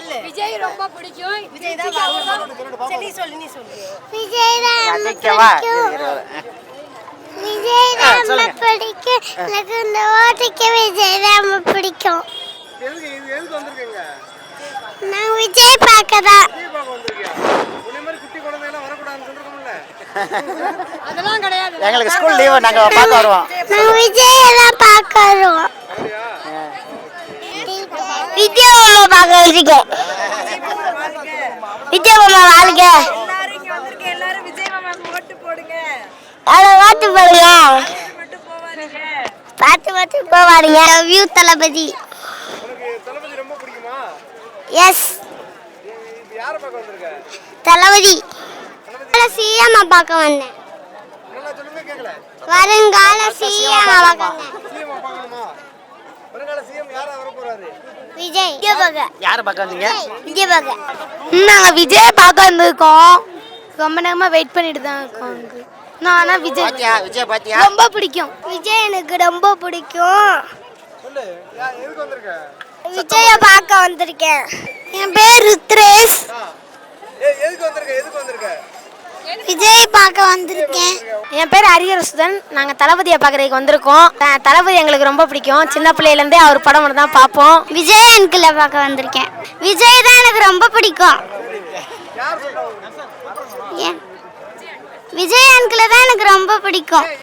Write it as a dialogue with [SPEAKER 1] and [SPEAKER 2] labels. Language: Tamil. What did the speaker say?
[SPEAKER 1] சொல்லு.
[SPEAKER 2] விஜய் ரொம்ப பிடிக்கும்.
[SPEAKER 1] விஜய் தான் வரணும். சரி நீ சொல்லு.
[SPEAKER 3] விஜய் தான் பிடிக்கும். விஜய் தான் பிடிக்கும். எனக்கு இந்த ஓட்டுக்கு விஜய் தான் பிடிக்கும்.
[SPEAKER 4] எதுக்கு வந்திருக்கீங்க?
[SPEAKER 3] நான் விஜய் பார்க்கதான்.
[SPEAKER 4] விஜய் பார்க்க வந்திருக்கியா? உன்னை மாதிரி குட்டி குழந்தைலாம் வரக்கூடாதுன்னு சொல்லிருக்கோம்ல.
[SPEAKER 2] அதெல்லாம் கிடையாது.
[SPEAKER 5] எங்களுக்கு ஸ்கூல் லீவு நாங்க பார்க்க வருவோம்.
[SPEAKER 3] நான் விஜய் எல்லாம் பார்க்க வருவோம். விஜய் மாமா பார்க்க வந்திருக்கேன். விஜய் மாமா வாழ்க.
[SPEAKER 1] எல்லாரும் இங்க வந்திருக்க எல்லாரும் விஜய் மாமாக்கு ஓட்டு போடுங்க.
[SPEAKER 3] ஓட்டு போடுங்க.
[SPEAKER 1] மட்டும் போவாதீங்க.
[SPEAKER 3] பார்த்து போவாருங்க. வியூ தளபதி.
[SPEAKER 4] உனக்கு தளபதி ரொம்ப பிடிக்குமா?
[SPEAKER 3] எஸ்.
[SPEAKER 4] இது யாரை பார்க்க வந்திருக்க?
[SPEAKER 3] தளபதி. சிஎம் பார்க்க வந்தேன்.
[SPEAKER 4] நல்லா சொல்லுங்க கேட்கல.
[SPEAKER 3] வருங்கால சிஎம் பார்க்க வந்தேன்.
[SPEAKER 4] சிஎம் பார்க்கணுமா? வருங்கால சிஎம் யாரா வர போறாரு?
[SPEAKER 3] விஜய். விஜய் பார்க்க.
[SPEAKER 5] யாரை பார்க்க வந்தீங்க?
[SPEAKER 3] விஜய் பார்க்க.
[SPEAKER 2] நாங்க விஜய் பார்க்க வந்திருக்கோம். ரொம்ப நேரமா வெயிட் பண்ணிட்டு தான் இருக்கோம். நான்
[SPEAKER 5] விஜய் பாத்தியா?
[SPEAKER 2] ரொம்ப பிடிக்கும்.
[SPEAKER 3] விஜய் எனக்கு ரொம்ப பிடிக்கும்.
[SPEAKER 4] சொல்லு. எதுக்கு வந்திருக்க?
[SPEAKER 3] விஜய பார்க்க வந்திருக்கேன். என் பேர் ருத்ரேஷ்.
[SPEAKER 4] எதுக்கு வந்திருக்க?
[SPEAKER 3] விஜய் பார்க்க வந்திருக்கேன்.
[SPEAKER 2] என் பேர் ஹரிஹரசுதன். நாங்கள் தளபதியை பார்க்குறதுக்கு வந்திருக்கோம். தளபதி எங்களுக்கு ரொம்ப பிடிக்கும். சின்ன பிள்ளையிலேருந்தே அவர் படம் மட்டும் தான் பார்ப்போம்.
[SPEAKER 3] விஜய் அங்கிளை பார்க்க வந்திருக்கேன். விஜய் தான் எனக்கு ரொம்ப பிடிக்கும். விஜய் அங்கிளை தான் எனக்கு ரொம்ப பிடிக்கும்.